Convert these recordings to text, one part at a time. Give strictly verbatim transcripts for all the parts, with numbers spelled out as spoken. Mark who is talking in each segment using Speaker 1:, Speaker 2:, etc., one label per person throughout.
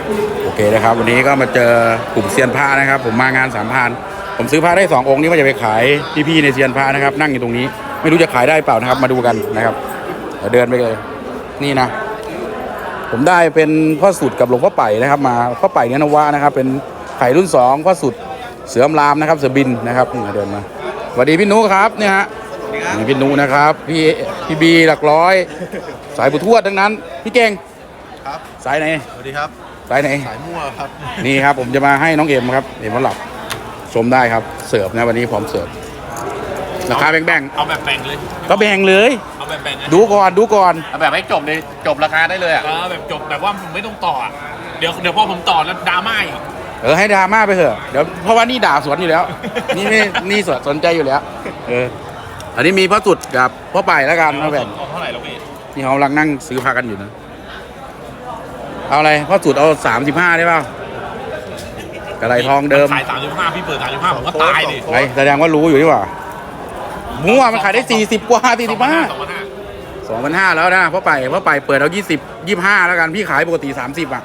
Speaker 1: โอเคนะครับวันนี้ก็มาเจอกลุ่มเซียนพระนะครับผมมางานสามพันผมซื้อพระได้สององค์นี้ว่าจะไปขายพี่ๆในเซียนพระนะครับนั่งอยู่ตรงนี้ไม่รู้จะขายได้เปล่านะครับมาดูกันนะครับเดี๋ยวเดินไปเลยนี่นะผมได้เป็นพ่อสุดกับหลวงพ่อไป่นะครับมาพ่อไป่เนื้อนวะนะครับเป็นไข่รุ่นสองพ่อสุดเสือมรามนะครับเสือบินนะครับนี่เดินมาสวัสดีพี่นุครับเนี่ยฮะนี่พี่นุนะครับพี่พี่บีหลักร้อยสายบุทวดทั้งนั้นพี่เก่ง
Speaker 2: ครับ
Speaker 1: สายไหน
Speaker 2: สวัสดีครับ
Speaker 1: สายไหน
Speaker 2: สายมั่วครับ
Speaker 1: นี่ครับผมจะมาให้น้องเอ็มครับเอ็มมาหลับชมได้ครับเสิร์ฟนะวันนี้พร้อมเสิร์ฟราคาแบ่งๆ
Speaker 3: เอาแบบแบ่งเลย
Speaker 1: ก็แบ่งเลย
Speaker 3: เอาแบบแบ่ง
Speaker 1: ดูก่อนดูก่อน
Speaker 3: เอาแบบให้จบเลยจบราคาได้เลยอ่ะเออแบบจบแบบว่าผมไม่ต้องต่ออ่ะเดี๋ยวเดี๋ยวพอผมต่อแล้วดราม่าอีก
Speaker 1: เออให้ดราม่าไปเถอะเดี๋ยวเพราะว่านี่ด่าสวนอยู่แล้วนี่ไม่นี่สนสนใจอยู่แล้วเอออันนี้มีพ่อสุดกับพ่อไปแล้วกันมาแบ่ง
Speaker 3: เท่าไหร่แล้วพี่
Speaker 1: นี่เขากำลังนั่งซื้อพากันอยู่นะเอาอะไรพ่อสุดเอาสามสิบห้าได้ป่าวกระไรทองเดิม
Speaker 3: ขายสามสิบห้าพี่เปิดสามสิบห้าผมก็ตายดิ
Speaker 1: ไงแสดงว่ารู้อยู่ดีกว่ามั่วมันขายได้สี่สิบกว่าสี่สิบห้าสองพันห้าแล้วนะพ่อไปพ่อไปเปิดเอายี่สิบยี่ห้าแล้วกันพี่ขายปกติสามสิบอ่ะ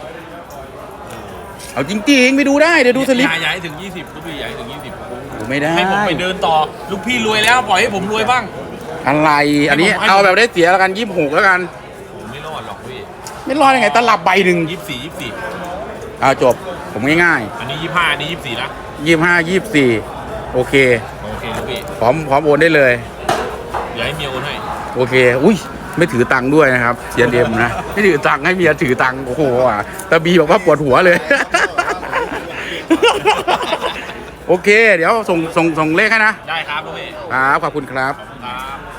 Speaker 1: เอาจริงๆไปดูได้เดี๋ยวดูสลิป
Speaker 3: ใหญ่ถึงยี่สิบลูกพี่ใหญ่ถึงยี่สิบ
Speaker 1: ไม่ได้
Speaker 3: ให้ผมไปเดินต่อลูกพี่รวยแล้วปล่อยให้ผมรวยบ้าง
Speaker 1: อะไรอันนี้เอาแบบได้เสียแล้วกันยี่สิบหกแล้วกัน
Speaker 3: ผมไม่รอดหรอกพี่
Speaker 1: ไม่รอดยังไงตลับใบหนึ่ง
Speaker 3: ยี่สิบสี่ยี่สิบสี่
Speaker 1: เอาจบผมง่าย
Speaker 3: ๆอันนี้ยี่สิบห้าอันนี้ยี่สิบสี่นะ
Speaker 1: ยี่สิบห้ายี่สิบสี่โอเค
Speaker 3: โอเคลูกพี่
Speaker 1: พร้อมพร้อมโอนได้เลย
Speaker 3: อย่าให้เมียโอนให้
Speaker 1: โอเคอุ้ยไม่ถือตังค์ด้วยนะครับเซียนเอ็มนะไม่ถือตังค์ให้เมียถือตังค์โอ้โหอ่ะแต่บีบอกว่าปวดหัวเลยโอเคเดี๋ยวส่งส่งส่งเลขให้นะ
Speaker 3: ได้ครับลูกพี่
Speaker 1: ครับขอบคุณครับ
Speaker 3: ครับ